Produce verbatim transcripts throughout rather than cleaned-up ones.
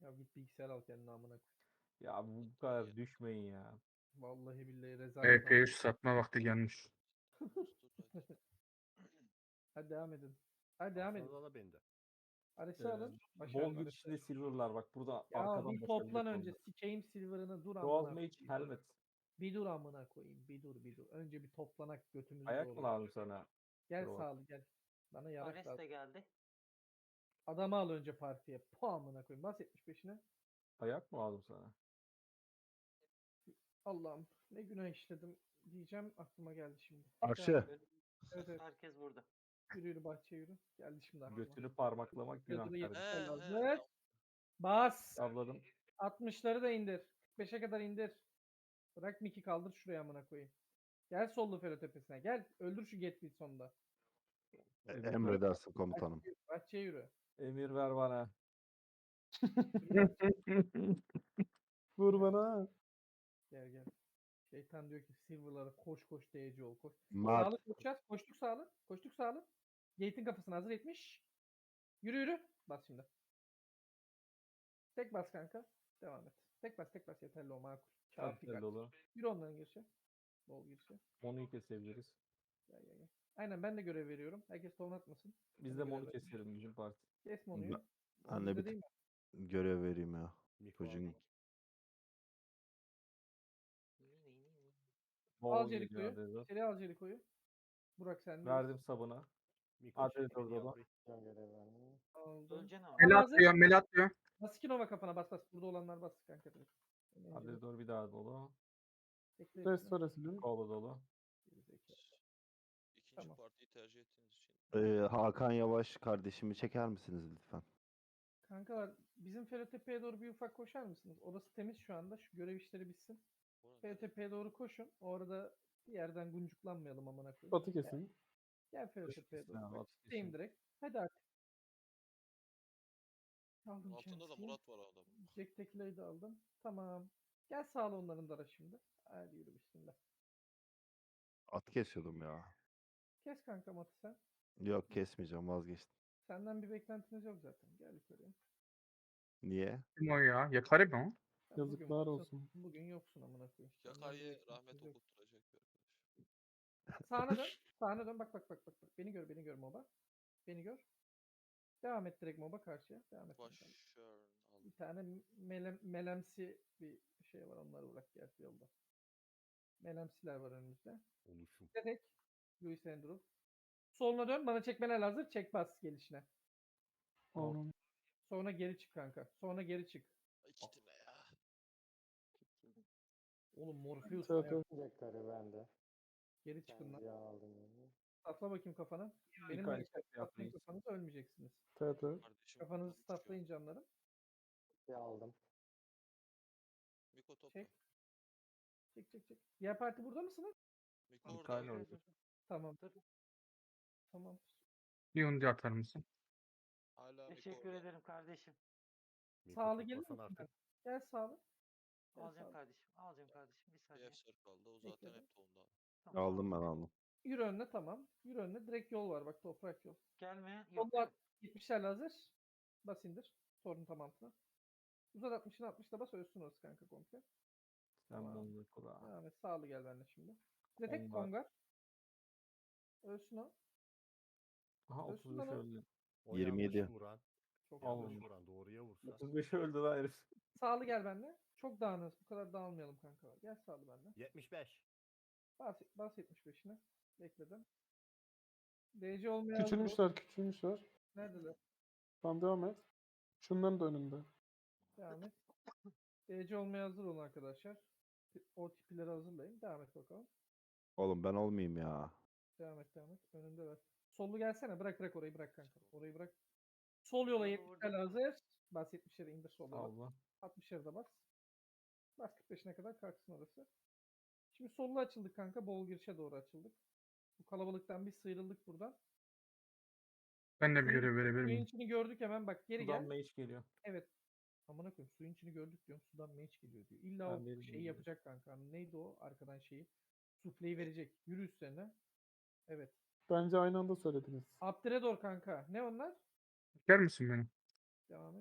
Ya git bilgisayar al kendine amına koy. Ya bu bu kadar düşmeyin ya. Vallahi billahi rezalet. E P üç satma vakti gelmiş. Hadi devam edin. Hadi devam edin. Aslında da bende. Ares'i Ee, alın. bol Başarılı Ares'i. güçlü silver'lar bak burada Ya arkadan bir toplan başarılı önce. oldu. Sikeyim silver'ını dur Royal amına Mage koyayım. Helmet. Bir dur amına koyayım. Bir dur bir dur. Önce bir toplanak götümüzü Ayak mı doğru. lazım sana? Gel Royal? sağlı gel. Bana yarak Ares lazım. de geldi. Adamı al önce partiye. Po amına koyayım. Bas yetmiş beşine. Ayak mı lazım sana? Allah'ım ne günah işledim diyeceğim aklıma geldi şimdi. Arşı. Devam et. Evet evet. Herkes burada. Yürü yürü bahçeye yürü. Geldi şimdi aklıma. Götünü parmaklamak günah Götünü kardeşim. yetmişler He, lazım. he, Evet. tamam. Bas. Avladım. altmışları da indir. kırk beşe kadar indir. Bırak Miki kaldır şuraya amına koyayım. Gel sollu Felo tepesine. Gel. Öldür şu Getbil sonunda. E, Emir ver, Emredersin komutanım. Bahçeye, bahçeye yürü. emir ver bana. Yürü bahçeye. Vur bana. Gel gel. Şeytan diyor ki Silver'lara koş koş D C ol koş. Mart. Sağlık koşacağız. Koştuk sağlık. Koştuk sağlık. Gate'in kafasına hazır etmiş. Yürü yürü. Bas şimdi. Tek bas kanka. Devam et. Tek bas tek bas yeterli o makul. Kağıt Güzel dikkat. dolu. Yürü onların girişe. Bol girişe. Monu'yu kesebiliriz. Gel gel gel. Aynen ben de görev veriyorum. Herkes ton atmasın. Biz Ben de görev Monu veriyorum. keselim bizim parti. Kes Monu'yu. Ben Onu de bizde bir değil mi? görev vereyim ya. Miko Çocuğun aldım. Al Bol geliyor Jericho'yu. Adrezo. İçeri al Jericho'yu. Burak sen de. Verdim sabına. Miko Hadi çekti beni Dodo'da. yavru. Aldım. Öleceksin ama. Al Mel hazır. atıyor, mel atıyor. Bas iki Nova kafana bas bas. Burada olanlar bas kanka direkt. Hadi doğru bir daha dolu. Bekle hepsini. Restorasyonu. Kolu dolu. Gerizekalı. İkinci Tamam. partiyi tercih ettiğiniz için. Ee, Hakan Yavaş kardeşimi çeker misiniz lütfen? Kankalar bizim Ferotepe'ye doğru bir ufak koşar mısınız? Orası temiz şu anda. Şu görev işleri bitsin. Buna Ferotepe'ye doğru koşun. Orada bir yerden guncuklanmayalım amına koyayım. Batı kesin. Gel Ferotepe'ye doğru. Ha, Bak, Batı gideyim kesin. direkt. Hadi artık. Aldım altında da kendisini. Murat var adamın. Jack Tequila'yı da aldım. Tamam. Gel sağla onların dara şimdi. Hadi yürü bismillah. At kesiyordum ya. Kes kanka matı sen. Yok kesmeyeceğim, vazgeçtim. Senden bir beklentimiz yok zaten. Gel yukarıya. Niye? Kim o ya? Yakarı mı o? Sen bugün Yazıklar yoksun- olsun. Bugün yoksun amına koyayım. Senden bir Yakay'ı beklentimiz rahmet yok. okutturacak bir arkadaş. Sağına dön. Sağına dön. Bak bak bak bak. bak. Beni gör beni gör moba. Beni gör. Devam et direkt moba karşıya. Devam et. kanka. Başarın aldım. Bir tane melem, melemsi bir şey var. Onları bırak gel yolda. Melemsiler var önümüzde. Oluşum. Direkt. Louis Andrew. Soluna dön. Bana çekmeler hazır. Çek bas gelişine. Onun. Sonra geri çık kanka. Sonra geri çık. İki tane ya. Oğlum Morpheus Evet, ayak- evet. bende. geri çıkın lan. Ya aldım yani. Atla bakayım kafana. Benim Birkaç de step atlayın yapmayız. kafanızı ölmeyeceksiniz. Evet, evet. Kardeşim. Kafanızı topla çıkıyor. staflayın canlarım. Ya aldım. Miko topla. Çek. Çek çek çek. Diğer parti burada mısınız? Miko Mikael orada. orada. Tamam. Tamam. Bir undi atar mısın? Hala Miko Teşekkür orada. ederim kardeşim. Miko Sağlı gelir toplasan misin? artık. Gel sağlı. Gel Alacağım sağlı. kardeşim. Alacağım kardeşim. Bir Bir saniye. Efsar kaldı. O zaten Bekledim. hep tonda. Tamam, Aldım ben aldım. Yürü önüne tamam. Yürü önüne. Direkt yol var bak toprak yol. Gelmeyen yok. Solda yetmişlerle hazır. Bas indir. Sorun tamamına. Uzat altmışını altmışla bas ölsün orası kanka komple. Sen Tamam. Monu'yu kura. Devam et. Sağlı gel benimle şimdi. Bir de tek Kongar. kongar. Ölsün o. Aha Ölsün otuz beş lan o. öldü. O yirmi yedi. yanlış vuran. Çok Al Yanlış onu. vuran. Doğruya vursa. otuz beş öldü lan herif. Sağlı gel benimle. Çok dağınız. Bu kadar dağılmayalım kanka. Gel sağlı benimle. yetmiş beş. Bas, bas yetmiş beşine. Bekledim. D C olmaya hazır ol. Küçülmüşler, küçülmüşler. Neredeler? Tamam devam et. Şunların da önünde. Devam et. D C olmaya hazır olun arkadaşlar. O tipileri hazırlayın. Devam et bakalım. Oğlum ben olmayayım ya. Devam et devam et. Önünde ver. Sollu gelsene. Bırak bırak orayı bırak kanka. Orayı bırak. Sol yola Orada, yetmişler orada. hazır. Bas yetmişleri indir sol yola. Allah. altmışları da bas. Bas kırk beşine kadar kalksın orası. Şimdi sollu açıldık kanka. Bol girişe doğru açıldık. Bu kalabalıktan bir sıyrıldık buradan. Ben de bir Suyun, görev verebilir suyun miyim? içini gördük hemen bak geri Sudan gel. mage geliyor. Evet. Amına koyayım suyun içini gördük diyorum. Sudan meç geliyor diyor. İlla Ben o veririm şeyi diyor. yapacak kanka. Neydi o arkadan şeyi? Sufleyi verecek. Yürü üstlerine. Evet. Bence aynı anda söylediniz. Abdredor kanka. Ne onlar? Çeker misin beni? Devam et.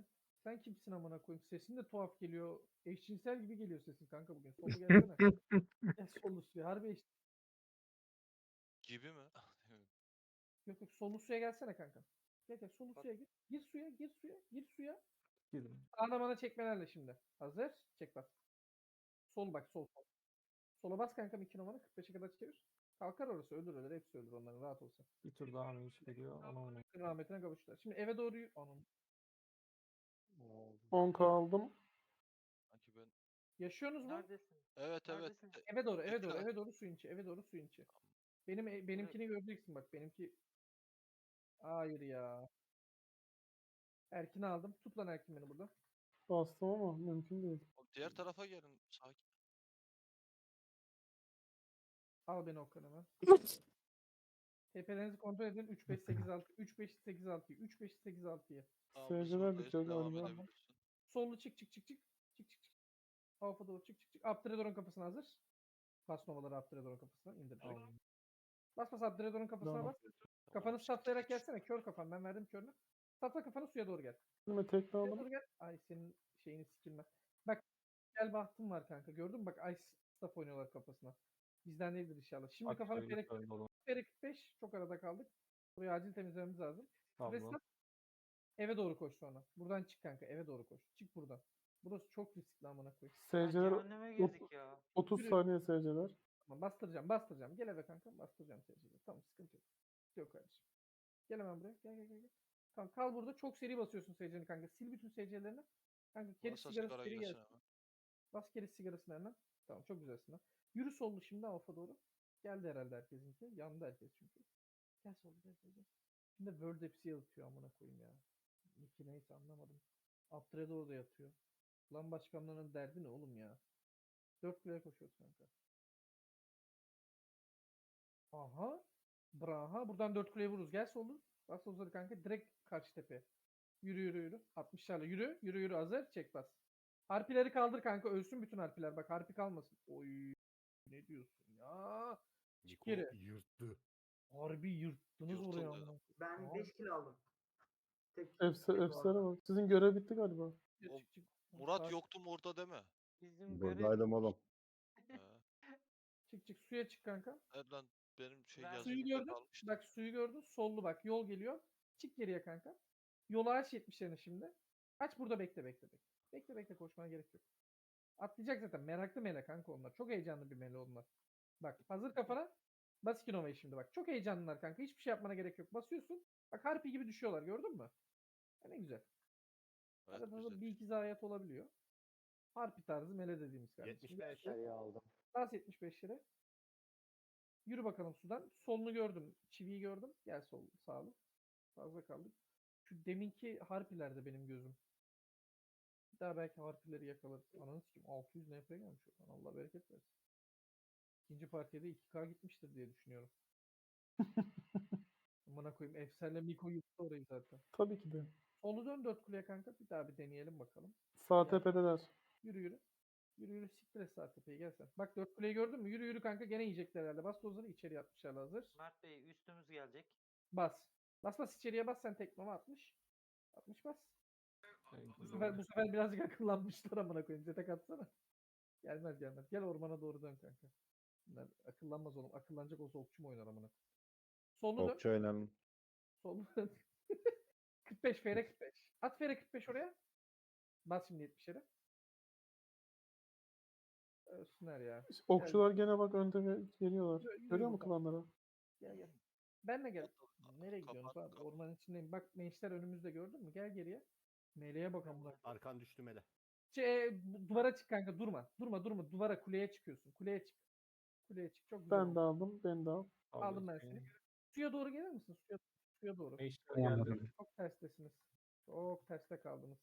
Sen kimsin amına koyayım? Sesin de tuhaf geliyor. Eşcinsel gibi geliyor sesin kanka bugün. Solu gelsene. Gel solu suya. Harbi eş... Gibi mi? Yok yok solu suya gelsene kanka. Gel gel solu suya gir. Gir suya gir suya gir suya. Girdim. Sağına bana çekmelerle şimdi. Hazır. Çek bas. Sol bak sol sol. Sola bas kanka iki numara kırk beşe kadar çevir. Kalkar orası ölür ölür hepsi ölür onların rahat olsun. Bir tur daha mı iş geliyor? Ona oynayayım. Rahmetine kavuştular. Şimdi eve doğru yürü. Onun. Ne oldu? on K aldım. Sanki ben... Yaşıyorsunuz mu? Neredesin? Evet evet. Neredesin? E, Eve doğru, eve doğru, Tekrar. eve doğru suyun içi, eve doğru suyun içi. Benim e- benimkini göreceksin bak, benimki. Hayır ya. Erkin'i aldım. Tut lan Erkin beni burada. Bastım ama mümkün değil. Oğlum diğer tarafa gelin. Sakin. Al beni Okan hemen. Tepelerinizi kontrol edin. üç beş sekiz altı, üç beş sekiz altı, üç beş sekiz altı'yı. Tamam, Seyirciler biz buradayız, bitiyor devam galiba. edebilirsin. Sollu çık çık çık çık. Çık çık çık. Alfa doğru çık çık çık. Abdredor'un kafasına hazır. Bas novaları Abdredor'un kafasına. İndir direkt. Bas bas Abdredor'un kafasına Tamam. bas. Kafanı satlayarak gelsene. Kör kafan. Ben verdim körünü. Satla kafanı suya doğru gel. Şimdi tekne Suya aldım. doğru gel. Ay senin şeyini sikilme. Bak gel bahtım var kanka. Gördün mü? Bak Ice Staff oynuyorlar kafasına. Bizden değildir inşallah. Şimdi Bak, kafanı şöyle ferek şöyle oğlum. kırk beş. Çok arada kaldık. Burayı acil temizlememiz lazım. Tamam. Restart. Eve doğru koş sonra. Buradan çık kanka. Eve doğru koş. Çık buradan. Burası çok riskli amına koyayım. Ya Seyirciler cehenneme girdik ya. otuz Yürü. saniye seyirciler. Tamam bastıracağım bastıracağım. Gel eve kanka bastıracağım seni. Tamam sıkıntı yok. Yok kardeşim. Gel hemen buraya. Gel gel gel. gel. Tamam kal burada. Çok seri basıyorsun seyircini kanka. Sil bütün seyircilerini. Kanka keri Varsa sigarası sigara seri gelsin gelsin. hemen. Bas keri sigarasını hemen. Tamam çok güzelsin lan. Yürü sollu şimdi alfa doğru. Geldi herhalde herkesinki. Yandı herkes çünkü. Gel sollu gel sollu. gel. Şimdi World hepsi yatıyor amına koyayım ya. Niki neyse anlamadım. Abdredo orada yatıyor. Lan başkanlarının derdi ne oğlum ya? Dört kuleye koşuyoruz kanka. Aha. Braha. Buradan dört kuleye vururuz. Gel sollu. Bas solları kanka. Direkt karşı tepe. Yürü yürü yürü. altmışlarla yürü. Yürü yürü hazır. Çek bas. Harpileri kaldır kanka. Ölsün bütün harpiler. Bak harpi kalmasın. Oy. Ne diyorsun ya? Niko geri. yırttı. Harbi yırttınız Yırtıldı. oraya amına. Ben Tamam. beş kilo aldım. Tek, Efse, tek efsane orada. bak. Sizin görev bitti galiba. Çık, O- çık, çık. Murat Sakin. yoktum orada deme. Bizim görev Buradaydım oğlum. He. Çık çık suya çık kanka. Evet lan benim şey Ben- Suyu yazımda gördün. kalmıştı. Bak suyu gördün. Sollu bak yol geliyor. Çık geriye kanka. Yola aç yetmişlerini şimdi. Aç burada bekle bekle bekle. Bekle bekle koşmana gerek yok. Atlayacak zaten. Meraklı mele kanka onlar. Çok heyecanlı bir mele onlar. Bak hazır kafana. Bas iki numarayı şimdi bak. Çok heyecanlılar kanka. Hiçbir şey yapmana gerek yok. Basıyorsun. Bak harpi gibi düşüyorlar gördün mü? Ya ne güzel. Evet, Arada da güzel. bir iki zayiat olabiliyor. Harpi tarzı mele dediğimiz kardeşim. yetmiş beş. Seri aldım. Bas yetmiş beş lira. Yürü bakalım sudan. Solunu gördüm. Çiviyi gördüm. Gel sol sağlı. Fazla kaldık. Şu deminki harpilerde benim gözüm. Bir daha belki harpileri yakalarız. Ananı sikeyim. altı yüz N P gelmiş. oradan. Allah bereket versin. İkinci partiye de iki K gitmiştir diye düşünüyorum. Amına koyayım. Efsane Miko yuttu orayı zaten. Tabii ki de. Solu dön dört kuleye kanka. Bir daha bir deneyelim bakalım. Sağ Ya. tepedeler. Yürü yürü. Yürü yürü siktir et sağ tepeye gel sen. Bak dört kuleyi gördün mü? Yürü yürü kanka gene yiyecekler herhalde. Bas dozları içeri atmışlar hazır. Mert Bey üstümüz gelecek. Bas. Bas bas içeriye bas sen teknoma atmış. atmış bas. Şey, Bu sefer, bu sefer birazcık akıllanmışlar amına koyayım. Zetek atsana. Gelmez gelmez. Gel ormana doğru dön kanka. Bunlar akıllanmaz oğlum. Akıllanacak olsa okçu mu oynar amına koyayım. Solunu dön. Okçu oynanın. Solunu dön. kırk beş F R kırk beş. At F R kırk beş oraya. Bas şimdi yetmişlere. Ölsünler ya. Okçular gene bak önde ge- geliyorlar. Yürü, yürü Görüyor musun buradan. klanları? Gel gel. Benle gel. Kapat, Nereye kapat, gidiyorsunuz abi? kapat. Ormanın içindeyim. Bak gençler önümüzde gördün mü? Gel geriye. Meleğe bak amına. Arkan düştü mele. Şey, bu- duvara çık kanka durma. Durma durma. Duvara kuleye çıkıyorsun. Kuleye çık. Kuleye çık. Çok güzel. Ben oldu. de aldım. Ben de al. Aldım ben seni. Suya doğru gelir misin? Suya, suya doğru. Meşler geldi. Anladım. Çok terstesiniz. Çok terste kaldınız.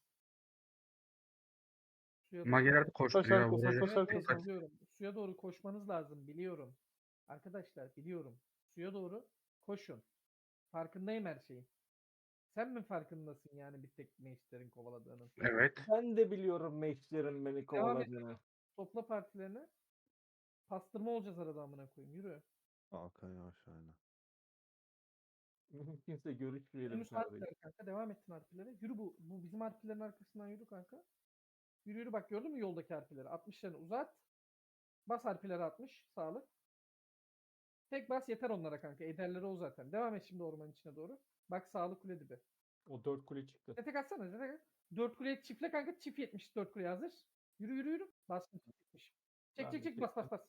Suya doğru. Mageler de Evet, koşturuyor. evet, Vuracak. evet, Taş evet, arkası. biliyorum. Suya doğru koşmanız lazım. Biliyorum. Arkadaşlar biliyorum. Suya doğru koşun. Farkındayım her şeyin. Sen mi farkındasın yani bir tek meşlerin kovaladığının? Evet. Ben de biliyorum meşlerin beni kovaladığını. Topla partilerini. Pastırma olacağız arada amına koyayım. Yürü. Hakan aşağıya. Mümkünse görüşmeyelim Yunus kardeşim. harfleri kanka. Devam ettin harflere. Yürü bu. Bu bizim harflerin arkasından yürü kanka. Yürü yürü bak gördün mü yoldaki harfleri? altmışlarını uzat. Bas harfleri altmış. Sağlık. Tek bas yeter onlara kanka. Ederleri o zaten. Devam et şimdi ormanın içine doğru. Bak sağlık kule dibi. O dört kule çıktı. Zetek atsana zetek. dört kuleye çiftle kanka. Çift yetmiş dört kuleye hazır. Yürü yürü yürü. Bastım çift yetmiş. Çek Ben çek de çek bas bas çektim. bas.